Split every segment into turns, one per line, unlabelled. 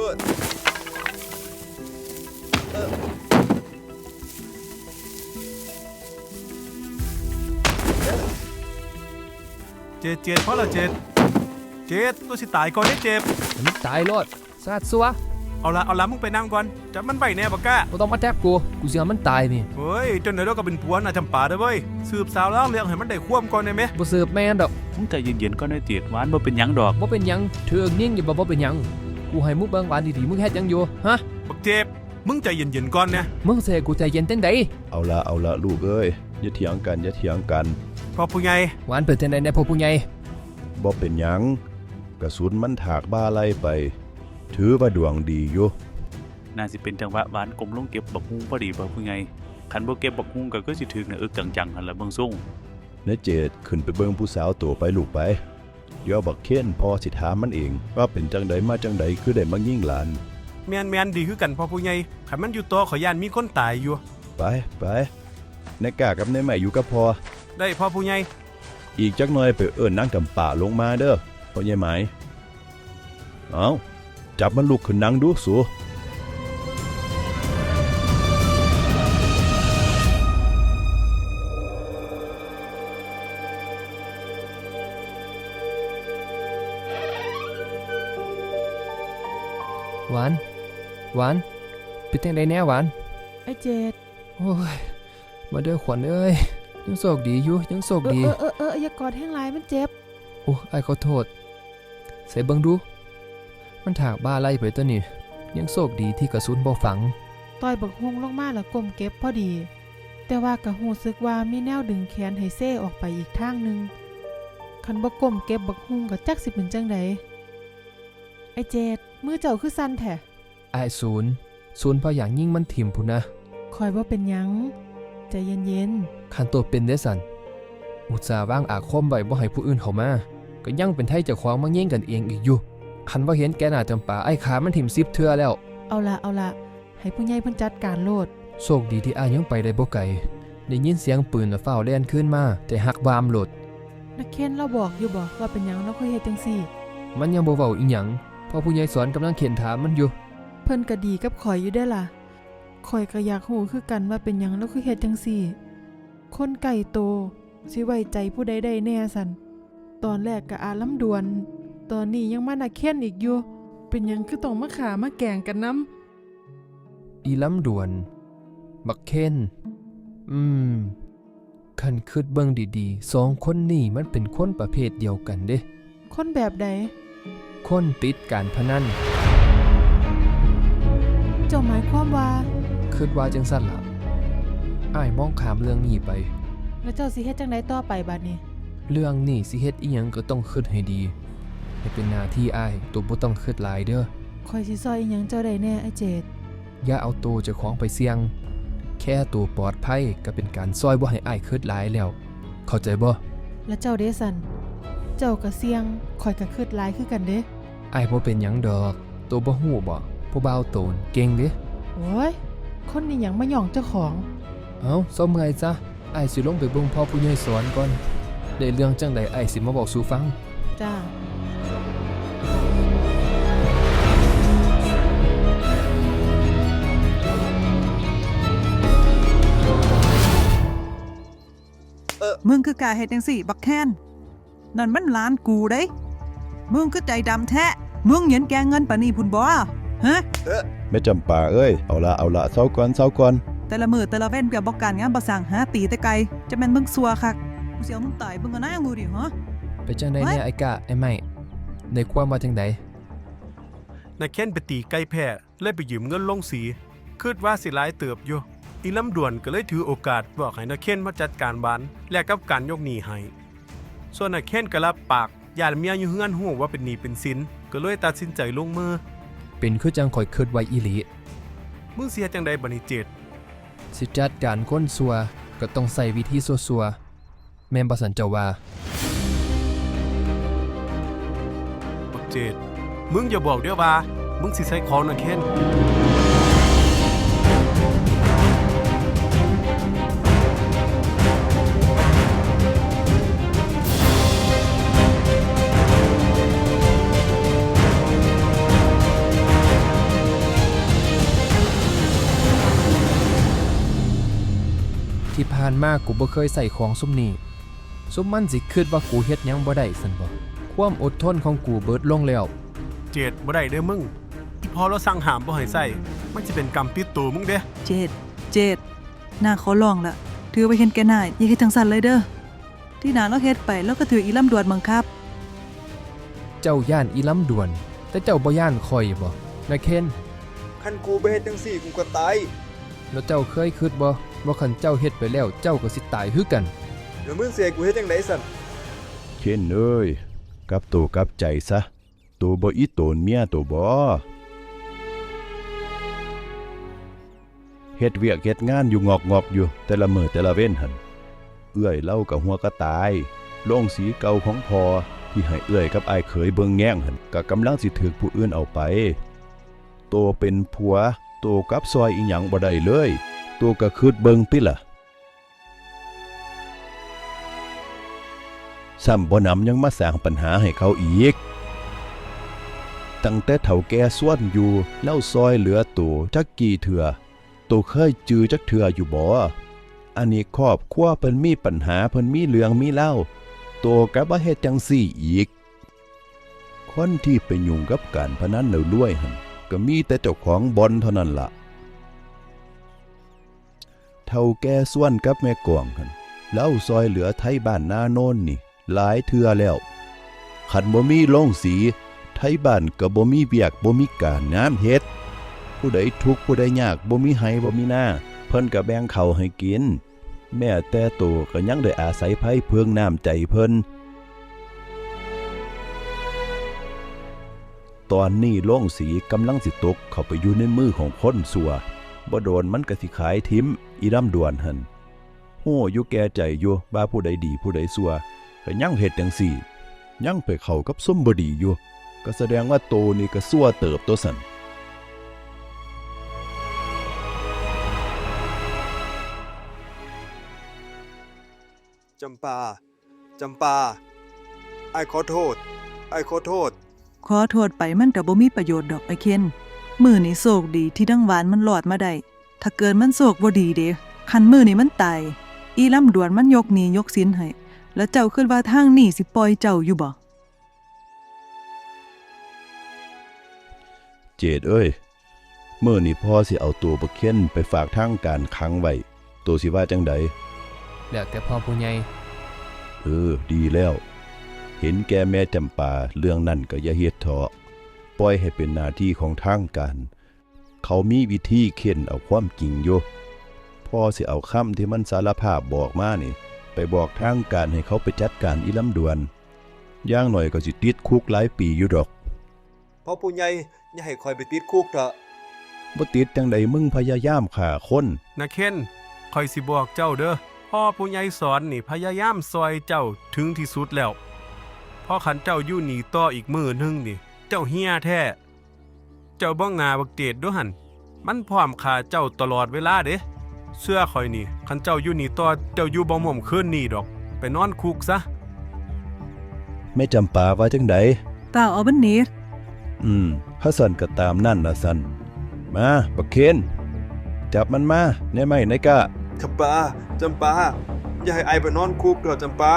เจ็ดเพราะเราเจ็ดตัวสิตายก่อนได้เจ็บ
มันตายรอดซาดซัว
เอาละมึงไปนั่งก่อนจับมันไปแน่ปะก้า
บ่ต้องมาแทบกูเสียมันตายนี่
เฮ้ยจนไหนเราก็เป็นผัวน่ะจำป่าได้เว้ยสืบสาวแล้วเรื่องให้มันได้ควบก่อนได้ไหม
บ่สืบแม่นดอก
มึงใจเย็นๆก็ได้เตียดหวานบ่เป็นหยังดอก
บ่เป็นหยังเธอนิ่งอย่าบ่เป็นหยังกูให้มึงเบิ่งหวานดีๆมึงเฮ็ดหยังอยู่ฮะ
บักเจ็บมึงใจเย็นๆก่อนนะ
มึงสิให้กูใจเย็นจังได๋
เอาละลูกเอ้ยอย่าเถียงกัน
พ่อผู้ใหญ่
หวานเป็นจังได๋แน่พ่อผู้ใหญ่
บ่เป็นหยังกระสุนมันถากบ้าไล่ไปถือว่าดวงดีอยู่
น่าสิเป็นจังหวะหวานกลมลงเก็บบักฮุ้งพอดีบ่ผู้ใหญ่คันบ่เก็บบักฮุ้งก็คือสิถึกนะจังๆหั่นล่ะเบิ่งซุ่ง
นเจดขึ้นไปเบิ่งผู้สาวตัวไปลูกไปเดี๋ยวบักเค้นพอสิถามมันเองว่าเป็นจังใดมาจังใดคือได้มายิงหลาน
แม่นดีคือกันพ่อผู้ใหญ่คันมันอยู่ต่อขอย่านมีคนตายอยู่
ไปนายกากับนายใหม่อยู่กับพอ
ได้พ่อผู้ใหญ่
อีกจักหน่อยไปเอิ้นนางจำปาลงมาเด้อพ่อใหญ่ไหมเอาจับมันลุกขึ้นนั่งดูสู
หวานเป็นจังได๋แน่หวาน
ไอ้เจ็ด
โอ้ยมาเด้อขวัญเอ้ยยังโชคดีอยู่ยังโชคดี
อย่ากอดแห้งหลายมันเจ็บ
โอ้อ้ายขอโทษใส่เบิ่งดูมันถากบ้าไล่ไปตัวนี่ยังโชคดีที่กระสุนบ่ฝัง
ต่อยบักฮุงลงมาแล้วก้มเก็บพอดีแต่ว่าก็รู้สึกว่ามีแนวดึงแขนให้เซ่ออกไปอีกทางนึงคันบ่ก้มเก็บบักฮุงก็จักสิเป็นจังได๋ไอ้เจ็ดมือเจ้าคือสั่นแท้
อ้ายศูนย์พออย่างยิ่งมันถิ่มพุ่นนะ
คอยบ่เป็นหยังใจเย็น
ๆคันตัวเป็นได้สั่นอุตส่าห์วางอาคมไว้บ่ให้ผู้อื่นเข้ามาก็ยังเป็นไทเจ้าของมาแย่งกันเองอีกอยู่คันว่าเห็นแกน่าจำปาไอ้ขามันถิ่ม10เทื่อแล้ว
เอาละให้ผู้ใหญ่เพิ่นจัดการโลด
โชคดีที่อ้ายยังไปได้บ่ไกลได้ยินเสียงปืนแล้วฟ้าวแล่นขึ้นมาแต่หักบามโลด
นักเคนเราบอกอยู่บ่ว่าเป็นหยังเราค่อยเฮ็ดจังซี่
มันยังบ่เว้าอีหยังเพราะผู้ใหญ่สอนกำลังเข็นถามมันอยู่
เพิ่นก็ดีกับข่อยอยู่ได้ล่ะข่อยก็อยากรู้คือกันว่าเป็นหยังเราคือเฮ็ดจังซี่คนไก่โตสิไว้ใจผู้ใดได้แน่สั่นตอนแรกก็อาลำดวนตอนนี้ยังมานักเคนอีกอยู่เป็นหยังคือต้องมาขามาแกงกันนำ
อีลำดวนบักเคนคันคิดเบิ่งดีๆ2คนนี้มันเป็นคนประเภทเดียวกันเด้
คนแบบใด
คนติดการพนัน
เจ้าหมายความว่า
คิดว่าจังซั่นล่ะอ้ายมองข้ามเรื่องนี้ไป
แล้วเจ้าสิเฮ็ดจังได๋ต่อไปบัดนี้
เรื่องนี้สิเฮ็ดอีหยังก็ต้องคิดให้ดีให้เป็นหน้าที่อ้ายตัวบ่ต้องคิดหลายเด้อ
ข้อยสิซอยอีหยังเจ้าได้แน่ไอ้เจด
อย่าเอาตัวเจ้าของไปเสี่ยงแค่ตัวปลอดภัยก็เป็นการซอยบ่ให้อ้ายคิดหลายแล้วเข้าใจบ่
แล้วเจ้าเด้ซั่นเจ้าก็เสี่ยงข้อยก็คิดหลายคือกันเด้
อ้ายบ่เป็นหยังดอกตัวบ่ฮู้บ่ผู้บ่าวโตนเก่งเด้
โอ้ยคนนี้หยังมาหย่องเจ้าของ
เอ้าซะเมื่อยซะอ้ายสิลงไปเบิ่งพ่อผู้ใหญ่สอนก่อนได้เรื่องจังใดอ้ายสิมาบอกสู่ฟัง
จ้า
มึงคือกล้าเฮ็ดจังซี่บักแคนนั่นมันหลานกูเด้มึงคือใจดำแท้มึงเห็นแกเงินปานนี้พุ่นบ่ฮะ
แม่จำปาเอ้ยเอาละเซาก่อน
แต่ละมื้อแต่ละเว้นก็บ่การงานบ่สร้างหาตีแต่ไกลจะแม่นมึงซัวคักกูสิเอามึงตายเบิ่งกันนะกูดิฮะ
ไปจังได๋เนี่ยไอ้กะไอ้ไม้ได้ความว่าจังได๋
นายเคนไปตีไก่แพ้เลยไปยืมเงินลงสีคิดว่าสิหลายเติบอยู่อีลำดวนก็เลยถือโอกาสบอกให้นายเคนมาจัดการบ้านแลกกับการยกหนี้ให้ส่วนนายเคนก็รับปากญาติเมียอยู่เฮือนฮู้ว่าเป็นหนี้เป็นสินก็เลยตัดสินใจลงมือ
เป็นคือจังข่อยคิดไว้อีหลี
มึงสิเฮ็ดจังได๋บัดนี้เจ็ด
สิจัดการคนซัวก็ต้องใช้วิธีซัวๆแม่นบ่ซั่นเจ้าว่า
บักเจ็ดมึงอย่าบอกเด้อว่ามึงสิใช้ของนายเคน
านมากูบ่เคยใส่ของซุมนี้ซุมมันสิคิดว่ากูเฮ็ดหยังบ่ได้ซั่นบ่ความอดทนของกูเบิดลงแล้ว
เจดบ่ได้เด้อมึงอีพอเราสั่งห้ามบ่ให้ใส่มันสิเป็นกรรมติดตัวมึงเด้
เจดหน้าขอลองละถือไปเห็นแก่หน้าอย่าเฮ็ดจังซั่นเลยเด้อที่หน้าเราเฮ็ดไปแล้วก็ถืออีลำดวนบังคับ
เจ้าย่านอีลำดวน แต่เจ้าบ่ย่านข่อยบ่นายเคน
คันกูไปเฮ็ดจังซี่กูก็ตาย
แล้วเจ้าเคยคิดบ่ว่าคันเจ้าเฮ็ดไปแล้วเจ้าก็สิตายคือกัน
แล้วมึงสิให้กูเฮ็ดจังไดสั่น
เคนเอ้ยกลับตัวกลับใจซะตัวบ่อีโตนเมียตัวบ่เฮ็ดเวียกเฮ็ดงานอยู่งอกๆอยู่แต่ละมื้อแต่ละเว้นหั่นเอื้อยเล่ากับหัวก็ตายโรงสีเก่าของพ่อที่ให้เอื้อยกับอ้ายเขยเบิ่งแย่งหั่นก็กำลังสิถูกผู้อื่นเอาไปโตเป็นผัวโตกับซอยอีหยังบ่ได้เลยโตก็คิดเบิ่งติล่ะซ้ำบ่นำยังมาสร้างปัญหาให้เขาอีกตั้งแต่เฒ่าแก่ส่วนอยู่เล่าซอยเหลือโตจักกี่เถื่อโตเคยจือจักเถื่ออยู่บ่อันนี้ครอบครัวเพิ่นมีปัญหาเพิ่นมีเรื่องมีเล่าโตก็บ่เฮ็ดจังซี่อีกคนที่ไปยุ่งกับการพนันแล้วรวยหั่นก็มีแต่เจ้าของบ่อนเท่านั้นล่ะเฒ่าแก่ส่วนกับแม่กวงหั่นเล่าซอยเหลือไทบ้านนาโน่นนี่หลายเทื่อแล้วคันบ่มีโรงสีไทบ้านก็บ่มีเวียกบ่มีการงานเฮ็ดผู้ใดทุกข์ผู้ใดยากบ่มีไห้บ่มีหน้าเพิ่นก็แบ่งข้าวให้กินแม้แต่โตก็ยังได้อาศัยไผเพิงน้ำใจเพิ่นตอนนี้โรงสีกำลังสิตกเข้าไปอยู่ในมือของคนสัวบ่โดนมันก็สิขายทิมอีลำดวนหั่นโหอยู่แก่ใจอยู่ว่าผู้ใดดีผู้ใดสัวก็ยังเฮ็ดจังซี่ยังไปเข้ากับส้มบ่ดีอยู่ก็แสดงว่าโตนี่ก็ซัวเติบตัวสั่น
จำปาอ้ายขอโทษ
ขอโทษไปมันก็บ่มีประโยชน์ดอกไอ้เคนมื้อนี้โชคดีที่ดังหวานมันรอดมาได้ถ้าเกิดมันโชคบ่ดีเด้คันมื้อนี้มันตายอีลำดวนมันยกหนี้ยกสินให้แล้วเจ้าคิดว่าทางนี้สิปล่อยเจ้าอยู่บ่
เจดเอ้ยมื้อนี้พ่อสิเอาตัวบักเค้นไปฝากทางการขังไว้ตัวสิว่าจังใด
แล้วแต่พ่อผู้ใหญ่
ดีแล้ว เห็นแก่แม่จำปาเรื่องนั้นก็อย่าเฮ็ดเถาะปล่อยให้เป็นหน้าที่ของทางการเขามีวิธีเค้นเอาความจริงอยู่พ่อสิเอาคำที่มันสารภาพบอกมานี่ไปบอกทางการให้เขาไปจัดการอีลำดวนอย่างหน่อยก็สิติดคุกหลายปีอยู่ดอก
เพราะผู้ใหญ่อย่าให้คอยไปติดคุกเถอะ
บ่ติดจังใดมึงพยายามฆ่าคน
นะเคนคอยสิบอกเจ้าเด้อพ่อผู้ใหญ่สอนนี่พยายามซอยเจ้าถึงที่สุดแล้วพอขันเจ้าอยู่หนีต่ออีกมื้อนึงนี่เจ้าเฮียแท้เจ้าบ้องนาบักเจดด้วยหั่นมันพร้อมฆ่าเจ้าตลอดเวลาเด้เสื้อคอยนี่คันเจ้าอยู่หนีต่อเจ้าอยู่บ่หม่อมคืนนี่ดอกไปนอนคุกซะ
แม่จำปาว่าจังใด
เปล่าเอาบันนี้
ถ้าสั่นก็ตามนั่นล่ะสั่นมาบักเคนจับมันมาในไม้ในกะ
จำปาอย่าให้อ้ายไปนอนคุกเถอะจำปา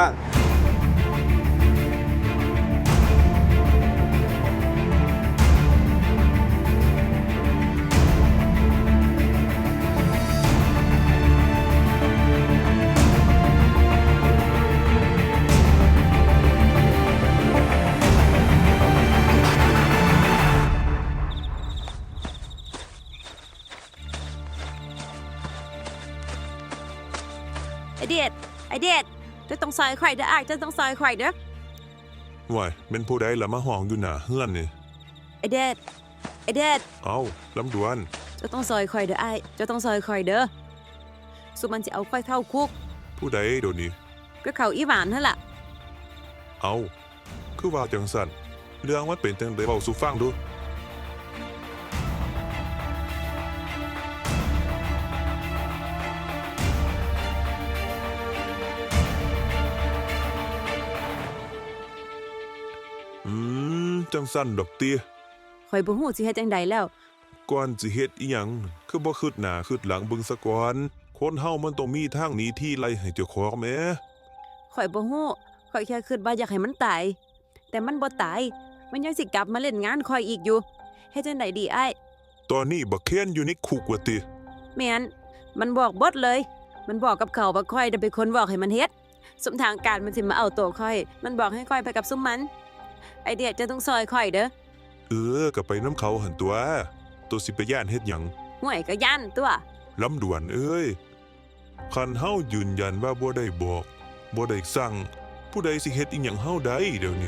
ไอเดียดจะต้องซอยไข่เด้ออ้ายจะต้องซอยไข่เด้อ
ว้ายเป็นผู้ใดละมาห้องอยู่หน้าเฮือนนี่
ไอเดียด
เอ้าลำดวน
จะต้องซอยไข่เด้ออ้ายจะต้องซอยไข่เด้อสุมันสิเอาไข่เข้าคุก
ผู้ใดเดี๋ยวนี้
ก็เขาอีหวานนั่นล่ะ
เอ้าคือว่าจังสั่นเรื่องมันเป็นจังได๋เว้าสู่ฟังดู จังสั่นดอกเตี้ย
ข่อยบ่ฮู้สิเฮ็ดจังใดแล้ว
ก่อนสิเฮ็ดอีหยังคือบ่คิดหน้าคิดหลังเบิ่งซะก่อนคคนเฮามันต้องมีทางหนีที่ไล่ให้เจ้าของแหม
ข่อยบ่ฮู้ข่อยแค่คิดว่าอยากให้มันตาย แต่มันบ่ตาย มันยังสิกลับมาเล่นงานข่อยอีกอยู่เฮ็ดจังไดดีอ้าย
ตอนนี้บักเคนอยู่ในคุกว่าติ
แม่นมันบอกเบดเลย มันบอกกับเขาว่าข่อยได้เป็นคนบอกให้มันเฮ็ดสมทางการมันสิมาเอาตัวข่อย มันบอกให้ข่อยไปกับซุมมัน ไอเดียจะต้องซอยข่อยเด้อ
ก็ไปน้ำเขาหันตัวตัวสิไปย่านเฮ็ดหยัง
ห่วยก็ย่านตัว
ลำดวนเอ้ยคันเฮายืนยันว่าบ่ได้บอกบ่ได้สั่ง ผู้ใดสิเฮ็ดอีหยังเฮาได้เดี๋ยวนี้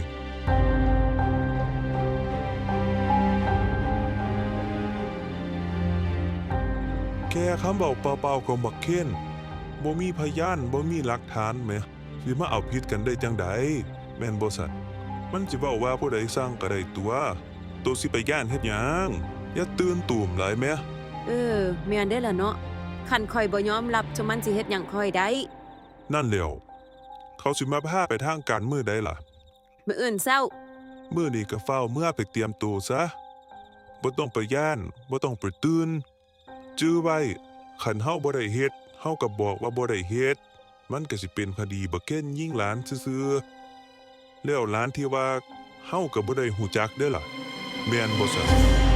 แค่คำบอกเปล่าๆของบักเคนบ่มีพยานบ่มีหลักฐานแหมสิมาเอาผิดกันได้จังใดแม่นบ่สัตว์มันสิเว้าว่าผู้ใดสร้างก็ได้ตัวสิไปย่านเฮ็ดหยังอย่าตื่นตูมหลายแหม
แม่นได้อล่ะเนาะคันข่อยบ่ยอมรับจะมันสิเฮ็ดหยังข่อยได้
นั่นแหล้วเขาสิมาพาไปทางการมื้อใดล่ะ
มื้ออื่นเช้า
มื้อนี้ก็เฝ้าเมื่อไปเตรียมตัวซะบ่ต้องไปย่านบ่ต้องไปตื่นจื้อไว้คันเฮาบ่ได้เฮ็ดเฮาก็บอกว่าบ่ได้เฮ็ดมันก็สิเป็นคดีบักเก้นยิงหลานซื่อๆแล้วหลานที่ว่าเฮาก็บ่ได้ฮู้จักเด้อล่ะแม่นบ่ซะ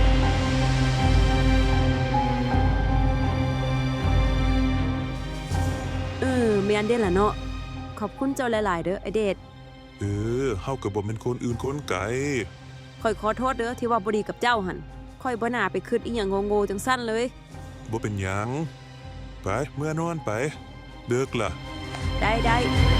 แม่นได้อล่ะเนาะขอบคุณเจ้าหลายๆเด้อไอเดช
เฮาก็บ่แม่นคนอื่นคนไกล
ข่อยขอโทษเด้อที่ว่าบ่ดีกับเจ้าหั่นข่อยบ่น่าไปคิดอีหยังโง่ๆจังซั่นเลย
บ่เป็นหยังไปเมื่อนอนไปเดึกล่ะ
ได้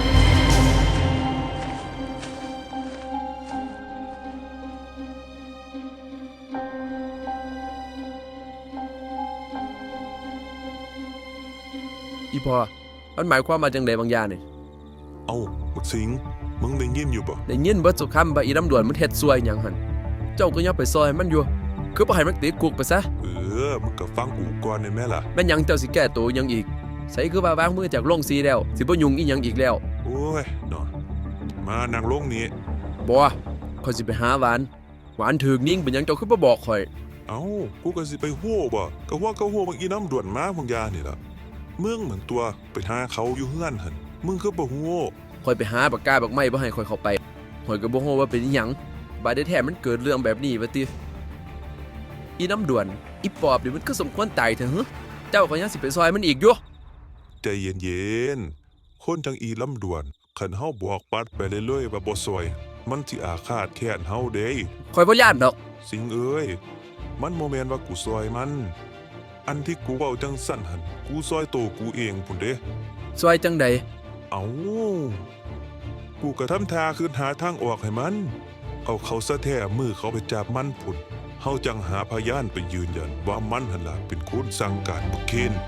อีพอมันหมายความว่าจังไดบางอย่างนี่
เอ้าบักสิงมึงได้ยินอยู่บ่
ได้ยินเบิดสุคำว่าอีลำดวนมันเฮ็ดซวยหยังหั่นเจ้าก็อย่าไปซอยมันอยู่คือบ่ให้มันติดคุกไปซะ
มึงก็ฟังกูก่อนได้ไหมล่ะ
แม่นหยังเจ้าสิแก้ตัวหยังอีกใส่คือว่าวางมือจากโรงสีแล้วสิบ่ยุ่งอีหยังอีกแล้ว
โอ้ยเนาะมานั่งลงนี่
บ่ข่อยสิไปหาหวานถึกนิ่งเป็นหยังเจ้าคือบ่บอกข่อย
เอ้ากูก็สิไปฮู้บ่ก็ฮู้บางอีน้ำด่วนมาพงยานี่ล่ะมึงเหมือนตัวไปหาเขาอยู่เฮือนหั่นมึงคือบ่ฮู้
ข่อยไปหาปากกาบักไม้บ่ให้ข่อยเข้าไปข่อยก็บ่ฮู้ว่าเป็นอีหยังบาดได้แท้มันเกิดเรื่องแบบนี้ว่าติอีน้ำด่วนอีปอบนี่มันก็สมควรตายเถอะหึเจ้าก็ยังสิไปซอยมันอีกอยู่
ใจเย็นๆคนจังอีลำด่วนคันเฮาบอกปัดไปเรื่อยๆว่าบ่ซอยมันสิอาฆาตแค้นเฮาเด้
ข่อยบ่ย้านดอก
สิงเอ้ยมันบ่แม่นว่ากูซอยมัน อันที่กูเว้าจังสั่นหั่นกูซอยโตวกูเองพุ่นเด้
ซอยจังใด
เอ้ากูก็ทำท่าคืนหาทางออกให้มัน เอาเขาซะแท้มือเขาไปจับมันพุ่นเฮาจังหาพยานไปยืนยันว่ามันหั่นล่ะเป็นคนสั่งการบักเคน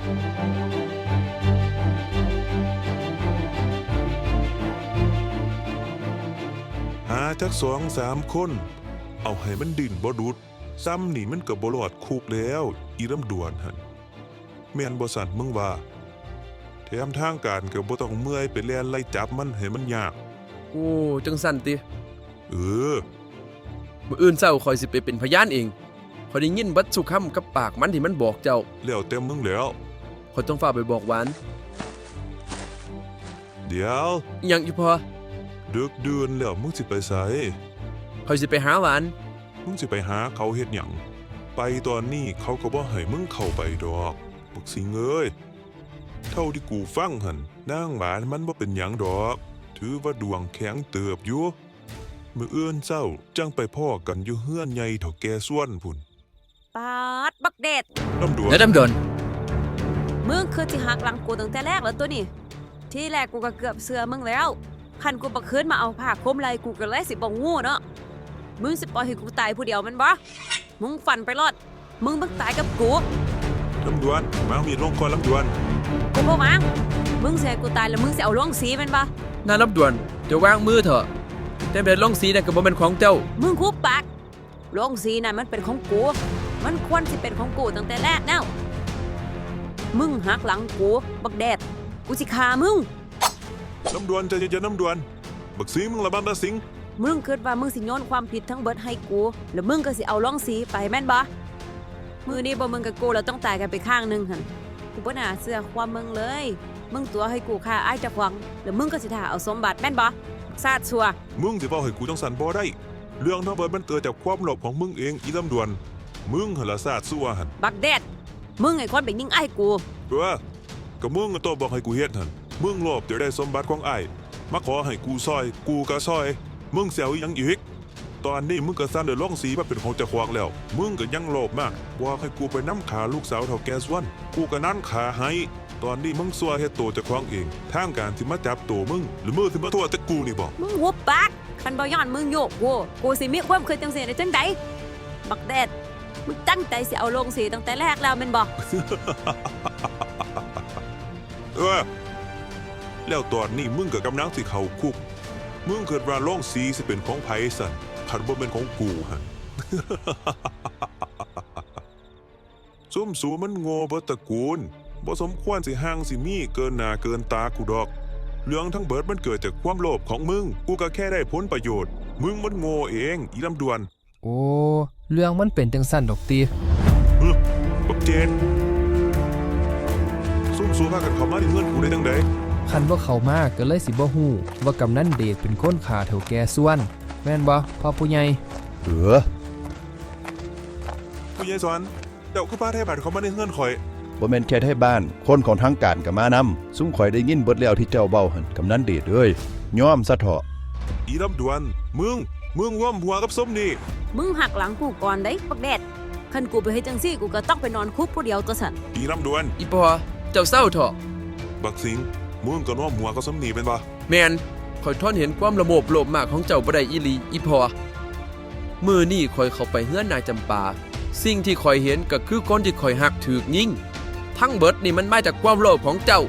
หาจัก2-3 คน เอาให้มันดิ้นบ่ดุดซ้ำนี่มันก็บ่รอดคุกแล้ว อีลำดวนหั่นแม่นบ่สั่นมึงว่าแถมทางการก็บ่ต้องเมื่อยไปแล่นไล่จับมันให้มันยาก
โอ้จังสั่นติ
เออ
มื้ออื่นเช้าข่อยสิไปเป็นพยานเองข่อยได้ยินเบัดสุคำกับปากมันที่มันบอกเจ้า
แล้วแต่มึงแล้ว
ข่อยต้องฝากไปบอกหวาน
เดี๋ยว
อิหยังอีพอ
ดึกดื่นแล้วมึงสิไปไส
ข่อยสิไปหาหวาน
มึงสิไปหาเขาเฮ็ดหยังไปตอนนี้เขาก็บ่ให้มึงเข้าไปดอกบักสิงเอ้ยเท่าที่กูฟังหั่นนางหวานมันบ่เป็นหยังดอก ถือว่าดวงแข็งเติบอยู่มื้ออื่นเช้าจังไปพ้อกันอยู่เฮือนใหญ่เฒ่าแก่ส่วนพุ่น
ปาดบักเดช
ลำดวน
แล้วดำดน
มึงคือสิหักหลังกูตั้งแต่แรกแล้วตัวนี่ที่แรกกูก็เกือบเสือมึงแล้วคันกูบ่คืนมาเอาผ้าคลุมไหล่กูก็เลยสิบ่งูเนาะมึงสิปล่อยให้กูตายผู้เดียวแมันบ่มึงฝันไปรอดมึงต้องตายกับกู
ลำดวนมาเอามีดลงก่อนลำดวน
กูบ่วางมึงสิให้กูตายแล้วมึงสิเอาลงสีแม่นบ่
น่ารับด่วนจะวางมือเถอะแต่เบ็ดลงสีนั่นก็บ่แม่นของเจ้า
มึงคุบปากลงสีนั่นมันเป็นของกูมันควรสิเป็นของกูตั้งแต่แรกแล้วมึงหักหลังกูบักแดดกูสิฆ่ามึง
ลำดวนใจเย็นๆลำดวนบักสิงมึงระบำตาสิง
มึงคิดว่ามึงสิโยนความผิดทั้งเบิดให้กูแล้วมึงก็สิเอาล่องสีไปแม่นบ่มือนี้บ่มึงกับกูเราต้องตายกันไปข้างหนึงหั่นกูบ่น่าเชื่อความมึงเลย มึงตัวให้กูฆ่าอ้ายเจ้าของแล้วมึงก็สิท่าเอาสมบัติแม่นบ่ซาดชัว
มึงสิเว้าให้กูจังสันบ่ได้ เรื่องทั้งเบิดมันเกิดจากความโลภของมึงเองอีลำดวน มึงหั่นละซาดซัวหั่น
บักแดดมึงไอ้คนไปยิงอ้ายกู
ก็มึงก็ตัวบอกให้กูเฮ็ดหั่นมึงโลภจะได้สมบัติของอ้ายมาขอให้กูซอยกูก็ซอย มึงเสียวอีหยังอีกตอนนี้มึงก็สร้างเดือดร้องสีมาเป็นของเจ้าของแล้ว มึงก็ยังโลภมากว่าให้กูไปน้ำขาลูกสาวเฒ่าแก่ส่วนกูก็นั่นขาให้ตอนนี้มึงซัวเฮ็ดโตวเจ้าของเองทางการที่มาจับตัวมึงหรือมึงที่มาโทษแต่กูนี่บอก
มึงหุบปากคันบ่ย้อนมึงโยกกูสิมีความคิดจังซี่ได้จังไดบักแดดมึงตั้งใจสิเอาลงสีตั้งแต่แรกแล้วแม่นบ่
แล้วตอนนี้มึงก็กำลังสิเข้าคุกมึงเกิดว่าโล่องสีสิเป็นของไผสันคันบ่เป็นของกูฮะ ซุ่มสูมันโง่เบิดตระกูลบ่สมควรสิห่างสิมีเกินหน้าเกินตากูดอก เรื่องทั้งเบิดมันเกิดจากความโลภของมึง กูก็แค่ได้ผลประโยชน์ มึงมันโง่เองอีลำดวน
โอ้เรื่องมันเป็นจังซั่นดอกติ
บักเจนซุ่มสูพากันเข้ามาในเงินกูได้จังได
คันบ่เข้ามาก็เลยสิบ่ฮู้ว่ากำนันเดชเป็นคนฆ่าเฒ่าแก่ส่วน แม่นบ่พ่อผู้ใหญ่
ผู้ใหญ่สอนเจ้าคือพาไทยบ้านเข้ามาในเงินข่อย
บ่แม่นแค่ไทยบ้านคนของทางการก็มานำซุ่มข่อยได้ยินเบิดแล้วที่เจ้าเว้าหั่นกำนันเดชเอ้ยยอมซะเถาะ
อีลำดวน มึงร่วมหัวกับส้มนี่
มึงหักหลังกูก่อนได้บักแดดคันกูไปเฮ็ดจังซี่กูก็ต้องไปนอนคุกผู้เดียวตัวสั่น
อีลำดวน
อีพอเจ้าเศร้าเถอะ
บักสิงมึงก็ร่วมหัวกับส้มนี่เป็นปะ
แมนข่อยทนเห็นความระโมบโลภมากของเจ้าบ่ได้อีหลีอีพอมื้อนี้ข่อยเข้าไปเฮือนนายจำปา สิ่งที่ข่อยเห็นก็คือคนที่ข่อยหักถูกยิงทั้งเบิดนี่มันมาจากความโลภของเจ้า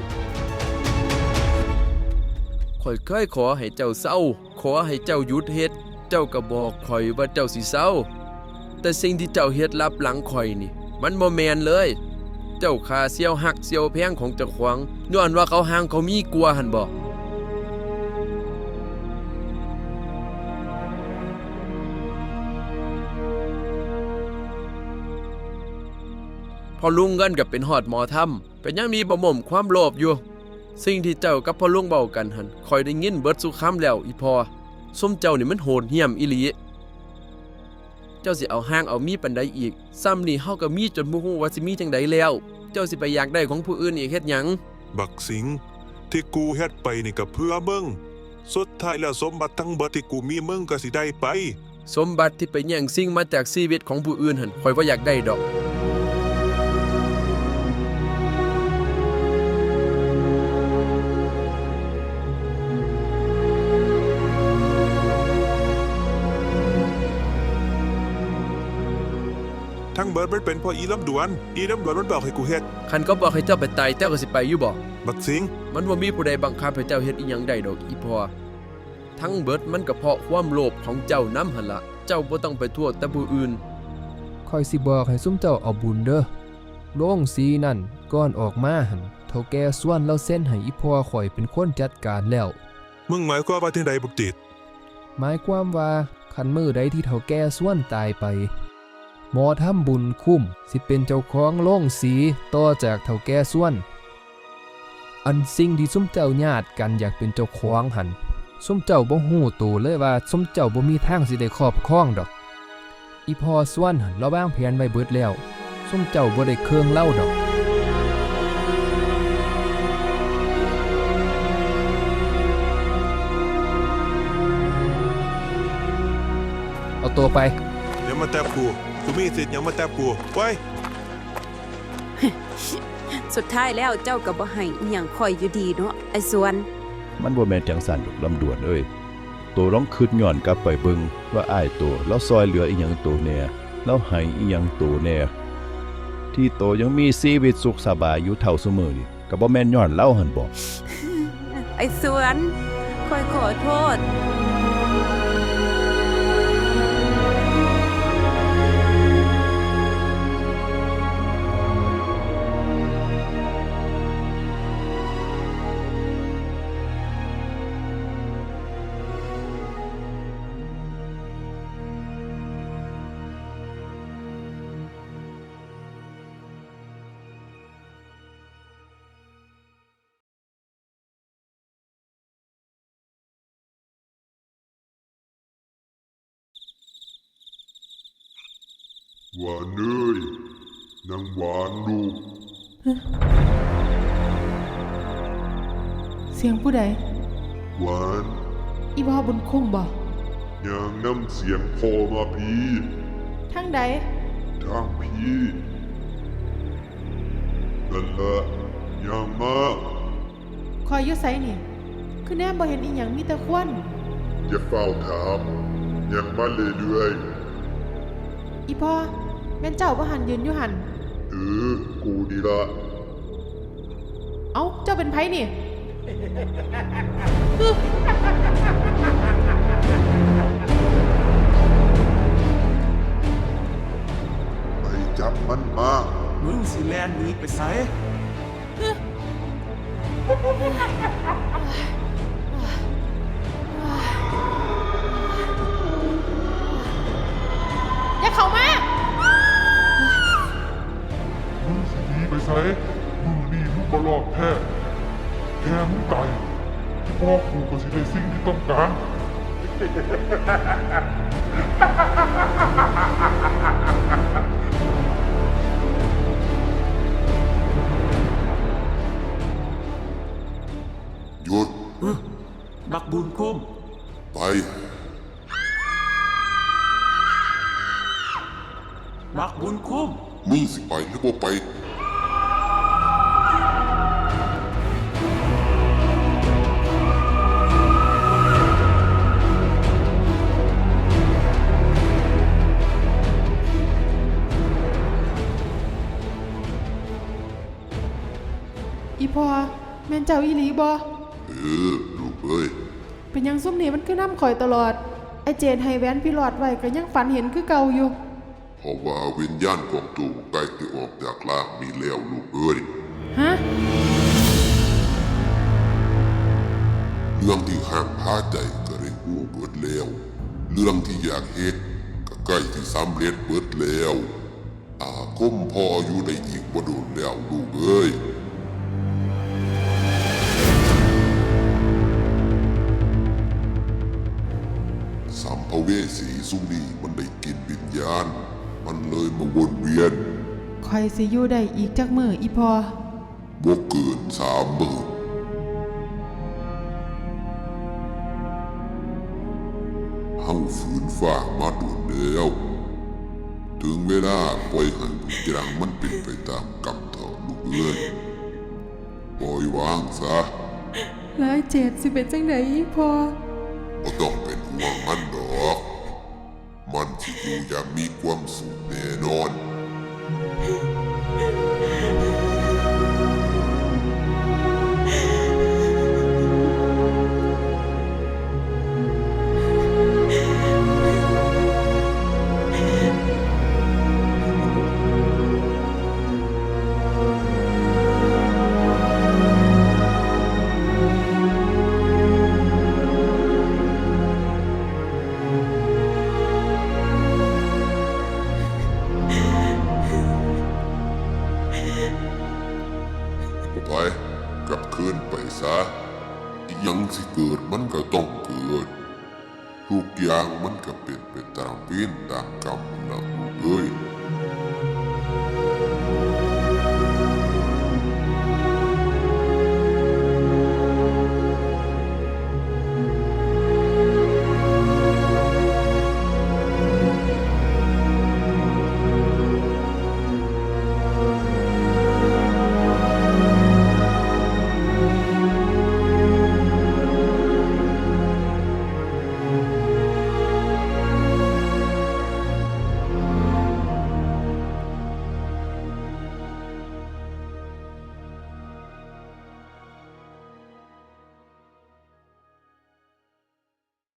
ข่อยเคยขอให้เจ้าเศร้าขอให้เจ้าหยุดเฮ็ดเจ้าก็บอกข่อยว่าเจ้าสิเศร้าแต่สิ่งที่เจ้าเฮ็ดลับหลังข่อยนี่มันบ่แม่นเลยเจ้าค่าเสียวหักเสียวแพงของเจ้าของย้อนว่าเขาห่างเขามีกลัวหั่นบ่พอลุงเงินกับเป็นหอดหมอถ้ำเป็นยังมีบ่หม่มความโลภอยู่ สิ่งที่เจ้ากับพ่อลุงเบากันหันคอยได้ยินเบิดสุคำแล้วอีพอส้มเจ้านี่มันโหดเหี้ยมอีหลีเจ้าสิเอาห้างเอามีปันใดอีกซ้ำนี่เฮาก็มีจนบ่ฮู้ว่าสิมีจังใดแล้ว เจ้าสิไปอยากได้ของผู้อื่นอีกเฮ็ดหยัง
บักสิงที่กูเฮ็ดไปนี่ก็เพื่อมึงสุดท้ายแล้วสมบัติทั้งเบิดที่กูมีมึงก็สิได้ไป
สมบัติที่ไปแย่งสิ่งมาจากชีวิตของผู้อื่นหันคอยว่าอยากได้ดอก
ทั้งเบิดมันเป็นเพราะอีลำดวนมันบอกให้กูเฮ็ด
คันก็บอกให้เจ้าไปตายเจ้าก็สิไปอยู่บ่
บักสิง
มันบ่มีผู้ใดบังคับให้เจ้าเฮ็ดอีหยังได้ดอกอีพอทั้งเบิดมันก็เพราะความโลภของเจ้านำหั่นล่ะเจ้าบ่ต้องไปโทษแต่ผู้อื่น
ค่อยสิบอกให้ซุมเจ้าเอาบุญเด้อโรงสีนั่นก่อนออกมาหั่นเฒ่าแก่ส่วนเราเส้นให้อีพ่อข่อยเป็นคนจัดการแล้ว
มึงหมายความว่าจังใดบักจิต
หมายความว่าคันมื้อใดที่เฒ่าแก่ส่วนตายไปหมอทำบุญคุ้มสิเป็นเจ้าของโรงสีต่อจากเฒ่าแก่ส่วน อันสิ่งที่ซุมเจ้าญาติกันอยากเป็นเจ้าของหันซุมเจ้าบ่ฮู้ตัวเลยว่าซุมเจ้าบ่มีทางสิได้ครอบครองดอกอีพอส่วนหันเราวางแผนไว้เบิดแล้วซุมเจ้าบ่ได้เครื่องเล่าดอกเอาตัวไป
เดี๋ยวมาแตบกูมีสิทธิ์หยังมาแตบกูไว้
สุดท้ายแล้วเจ้าก็บ่ให้อีหยังข่อยอยู่ดีเนาะไอ้สวน
มันบ่แม่นจังซั่นดอกลำดวนเอ้ยโตลองคิดย้อนกลับไปเบิ่งว่าอ้ายโตแล้วซอยเหลืออีหยังโตแน่แล้วให้อีหยังโตแน่ที่โตยังมีชีวิตสุขสบายอยู่เท่าซุมื้อนี่ก็บ่แม่นย้อนเล่าหั่นบ่
ไอ้สวนข่อยขอโทษ
หวานเอ้ยนางหวานลูก
เสียงผู้ใด
หวาน
อีพ่อบุญคุ้มบ่
ยางน้ำเสียงพอมาพี่
ทางใด
ทางพี่นั่นละยางมา
คอยอยู่ไสนี่ คือแนมบ่เห็นอีหยังมีแต่ควัน
อย่าเฝ้าถามยังมาเรื่อย
อีพ่อแม่นเจ้าบ่หันยืนอยู่หัน
ๆกูดีละ
เอ้าเจ้าเป็นไผนี่
ไปจับมันมา
มึงสิแลนหนีไปไส
อย่าเข้ามา
มึงสิหนีไปไสมึงนี่มึงบ่รอดแท้แค่มึงตายที่พ่อกูก็สิได้สิ่งที่ต้องการ หยุด
บักบุญคุ้ม
ไป
บักบุญคุ้ม
มึงสิไปหรือบ่ไป
อีพ่อแม่นเจ้าอีหลีบ่
ลูกเอ้ย
เป็นหยังซุ่มนี่มันคือน้ำข่อยตลอด ไอเจนให้แหวนพี่หลอดไว้ก็ยังฝันเห็นคือเก่าอยู่
เพราะว่าวิญญาณของตูใกล้จะออกจากร่างมีแล้วลูกเอ้ย
ฮะ
เรื่องที่ห่างพาใจก็ได้หูเบิดแล้ว เรื่องที่อยากเฮ็ดก็ใกล้ที่สำเร็จเบิดแล้วอาคมพออยู่ในอีกบ่โดนแล้วลูกเอ้ย สัมภเวสีสุนีมันได้กินวิญญาณ มันเลยมาวนเวียน
ข่อยสิอยู่ได้อีกจักมื้ออีพ่อ
บ่เกิน3 มื้อเฮาฝืนฝ่ามาโดนแล้ว ถึงเวลาปล่อยให้ทุกอย่างมันเป็นไปตามกรรมเถอะลูกเอ้ยปล่อยวางซะ
แล้วไอเจนสิเป็นจังไดอีพ่อ
บ่ต้องเป็นห่วงมันดอก มันสิอยู่อย่างมีความสุขแน่นอน ไปกลับคืนไปซะอีหยังสิเกิดมันก็ต้องเกิด ทุกอย่างมันก็เป็นไปตามเวรตามกรรมนะลูกเอ้ย